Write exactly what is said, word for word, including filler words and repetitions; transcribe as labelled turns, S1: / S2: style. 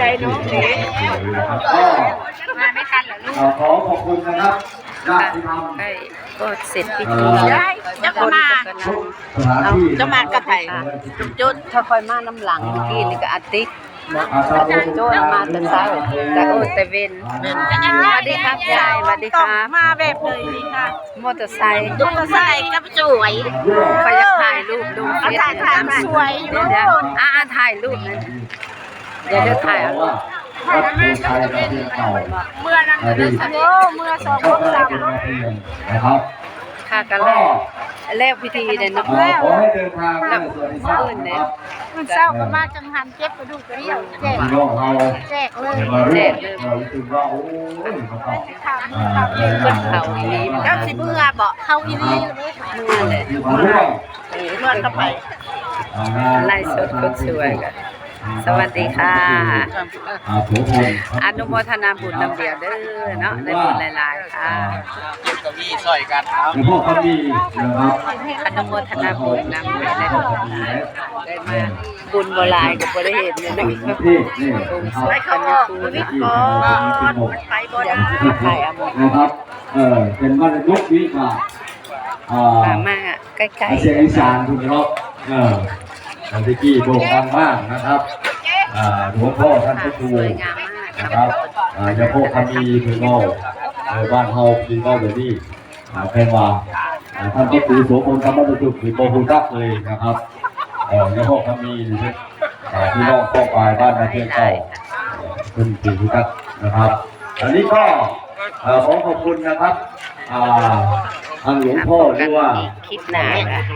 S1: น้องนี่
S2: มาไม่ทันเหรอลูก
S3: ขอขอบคุณนะครับญาติธรรม
S1: ใกล้ก็เสร็จพิธี
S2: ได้เจ้าก็มา
S3: สถานที่
S2: เจ้ามากับไผ่จุด
S1: ถ้าคอยมาน้ำหลังเมื่อกี้นี่ก็อาติก
S3: อาตาโ
S1: โจ้มาแต่เช้าแต่โอ้แต่เวนสวัสดีครับยายสวัสดีครับ
S2: มาแบบเลยนี่ค่ะ
S1: มอเตอร์ไซค์
S2: ตุ้งใส่กับสวย
S1: คอยจะถ่ายรูปดูเฟซ
S2: ถ่ายถ่ายสวยอยู่
S1: เดี๋ยวเดี๋ยวอ่าถ่ายรูปนะเดี๋ยวจะถ่ายเอารูป
S3: วัดโพชัยเราเพียงเก่า
S2: เมื่อนั้นเลยโอ้เมื่อสอง
S3: ก็
S2: พบ
S3: ได้
S2: สาม
S3: เป็นมาเพียงนะครับ
S1: ค่ะกันแรกแรกพิธีเนี่ยนะ
S3: ขอให้เดินทางด้วยสวัสดิภาพนะครับ
S2: มันเศร้าก็มาจังหันเจ็บกระดูกกระเดี่ยวแจก
S3: พี่น้องเรา
S2: แจกเลย
S3: มาเรื่อยเรารู้สึกว่าโอ้ยเขาต้อง
S2: ถาม
S3: อ่า
S2: ถาม
S3: เดิน
S1: เพิ่
S3: ทาง
S1: นเขาอีนี้
S2: แล้วสิเมื่อบอกเข้าอีนี่
S1: เมื่อเลย
S3: มาเรื่อย
S2: เมื่อเข้าไป
S1: ไล่สดคนสวยกันสวัสดีค่ะ
S3: อ่าโถพล
S1: อนุโมทนาบุญนำเดียวเด้อเนาะได้บุญหลายๆค่ะ
S4: เก็บเก้าอี้ซอยกันครับ
S3: หลวงพ่อเขามีนะครับ
S1: อนุโมทนาบุญนำเดียวได้บุญหลายๆได้มาบุญโบราณกับบริเหตุเนี่ยนะ
S3: ที่นี่นะค
S2: ไป
S3: รับ
S2: เขาบอกวิทย์ก่อนไปบ่ได้
S1: ถ่ายเอาหมด
S3: นะครับ เออเป็นวันยุควิกาอ่า
S1: มามาใกล้
S3: เสียงอีสานคุณเนาะเอออันที่กี้โด่งดังมากนะครับอ่าหลวงพ่อท่าน
S1: ๆ
S3: พระครู
S1: สวยงามมาก
S3: นะครับอ่าเจ้าพ่อคำมีคือเงาเออบ้านเฮาคือเงาเดี๋ยวนี้อ่าแพงว่าอ่าท่านพระครูโสพลธรรมบจุกคือโบหูดักเลยนะครับเออเจ้าพ่อคำมีนี่อ่าพี่น้องพ่อปลายบ้านนาเทียนเก่าคุณคือหูดักนะครับ อันนี้ก็เอ่อขอขอบคุณนะครับอ่าทางหลวงพ่อหรือว่า
S1: คลิปหน้าค่ะ